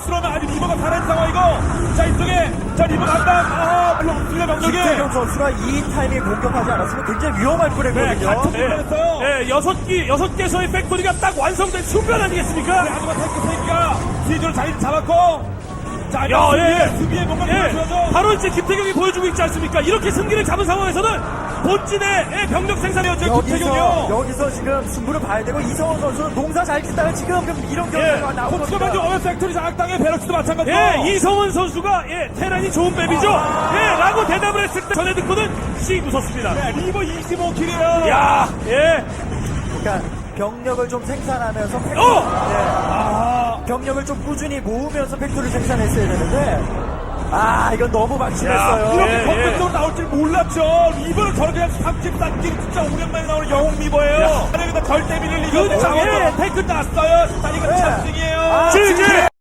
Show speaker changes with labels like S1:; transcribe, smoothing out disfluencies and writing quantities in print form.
S1: 들어오면 아직 리버가 살아있는 상황이고, 자, 이쪽에, 자, 리버 간다. 물론 없습니다, 병력이.
S2: 김태경 선수가 이 타이밍에 공격하지 않았으면 굉장히 위험할 뻔했거든요.
S1: 같은 공간했어요.
S3: 네, 여섯 개서의 팩토리가 딱 완성된 순간 아니겠습니까?
S1: 아주가 탱크가 뒤쪽으로 자리를 잡았고, 자,
S3: 야,
S1: 수비에 뭔가
S3: 예,
S1: 보여줘야죠.
S3: 바로 이제 김태경이 보여주고 있지 않습니까? 이렇게 승기를 잡은 상황에서는 본진의 병력 생산이었죠, 김태경이요.
S2: 여기서 지금 승부를 봐야 되고 이성호 선수는 농사 잘 짓다가 지금 이런 결과가 나오고
S1: 코트가 먼저 어면 팩토리 장악당해 베럭스도 마찬가지고.
S3: 예, 이성원 선수가 테란이 좋은 맵이죠. 라고 대답을 했을 때 전에 듣고는 씩 웃었습니다.
S1: 네, 리버 25킬이에요.
S3: 야,
S2: 그러니까 병력을 좀 생산하면서 병력을 좀 꾸준히 모으면서 팩토리를 생산했어야 되는데 이건 너무 막심했어요.
S1: 이렇게 건물적으로 나올 줄 몰랐죠. 리버를 저렇게 그냥 30단끼리 진짜 오랜만에 나오는 영웅 리버예요. 여기다 절대 밀릴 리가 없죠. 탱크 났어요. 자, 이거 참승이에요.
S3: 질질!